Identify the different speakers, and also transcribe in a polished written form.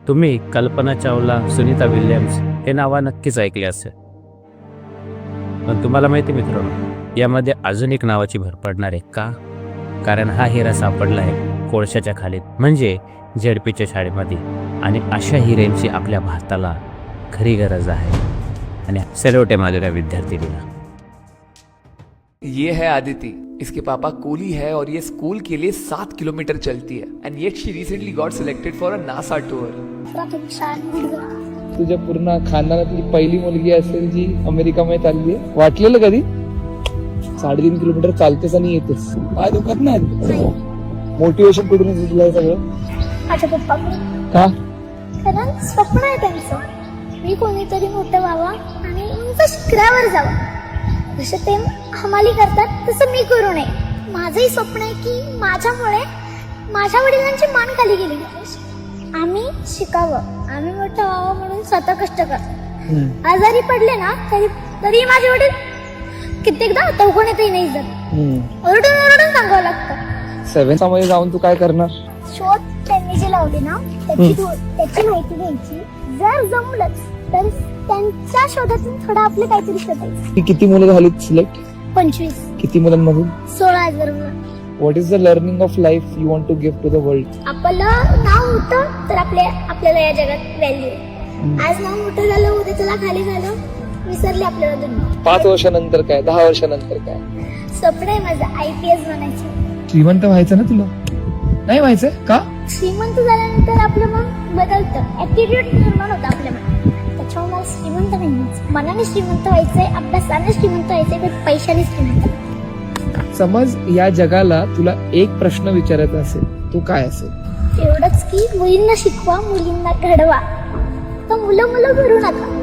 Speaker 1: तुम्ही कल्पना चावला, सुनीता विल्यम्स हे नाव नक्कीच ऐकले असेल. पण तुम्हाला माहिती मित्रांनो, यामध्ये अजून एक नावाची भर पडणार आहे का? कारण हा हिरा सापडला आहे कोळशाच्या खालीत, म्हणजे झेडपीच्या शाळेमध्ये. आणि अशा हिऱ्यांची आपल्या भारताला खरी गरज आहे. आणि सेलोटे माझ्या विद्यार्थिनीला.
Speaker 2: ये है आदिति, इसके पापा कूली है और ये स्कूल के लिए 7 किलोमीटर चलती है. And yet she recently got selected for a NASA tour.
Speaker 3: तुझ्या पूर्ण खानदानातली पहिली मुलगी असेल जी अमेरिकामध्ये चालली आहे. वाटलेलं कधी 3.5 किलोमीटर चालतेस आणि येतेस? काय दुखत नाही? मोटिवेशन कुठून येतं तुला हे सगळं?
Speaker 4: माझ्या पप्पा
Speaker 3: का?
Speaker 4: कारण स्वप्न आहे त्यांचं, मी कोणीतरी मोठं व्हावा आणि उंच शिखरावर जावं. जसं ते हमाली करतात तसं मी करू नये. माझंही स्वप्न आहे की माझ्यामुळे माझ्या वडिलांची मान खाली गेली पाहिजे. आम्ही शिकावं, आम्ही मोठं व्हावं म्हणून स्वतः कष्ट करतो. आजारी पडले ना तरी माझे वडील कित्येकदा चौकोण्यातही नाही जात. ओरडून ओरडून सांगावं लागतं.
Speaker 3: 7th मध्ये जाऊन तू काय करणार?
Speaker 4: शोध त्यांनी जे लावले ना त्याची माहिती घ्यायची. जर जमलंच तर त्यांच्या शोधातून थोडं आपलं काहीतरी शोधायचं.
Speaker 3: किती मुलं झाली सिलेक्ट?
Speaker 4: 25.
Speaker 3: किती मुलांमधून?
Speaker 4: 16,000.
Speaker 3: What is the learning of life you want to give to the world?
Speaker 4: आपलं नाव होतं तर आपल्याला या जगात व्हॅल्यू. आज नाव मोठं झालं, उद्या त्याला खाली झालं, विसरले आपल्याला दुनिया.
Speaker 3: 5 वर्षानंतर काय? 10 वर्षानंतर काय?
Speaker 4: स्वप्न आहे माझं IPS बनायचं.
Speaker 3: श्रीमंत व्हायचं ना तुला? नाही व्हायचं का?
Speaker 4: श्रीमंत झाल्यानंतर आपलं मन बदलतं, ऍटिट्यूड निर्माण होतं आपल्या मनात. त्याच्यामुळे मला श्रीमंत नाही व्हायचं. मनाने श्रीमंत व्हायचंय, अभ्यासाने श्रीमंत व्हायचंय, पण पैशाने श्रीमंत.
Speaker 3: समज या जगाला तुला एक प्रश्न विचारायचा असेल, तो काय असेल?
Speaker 4: एवढंच की मुलींना शिकवा, मुलींना घडवा. तर मुलं भरू नका.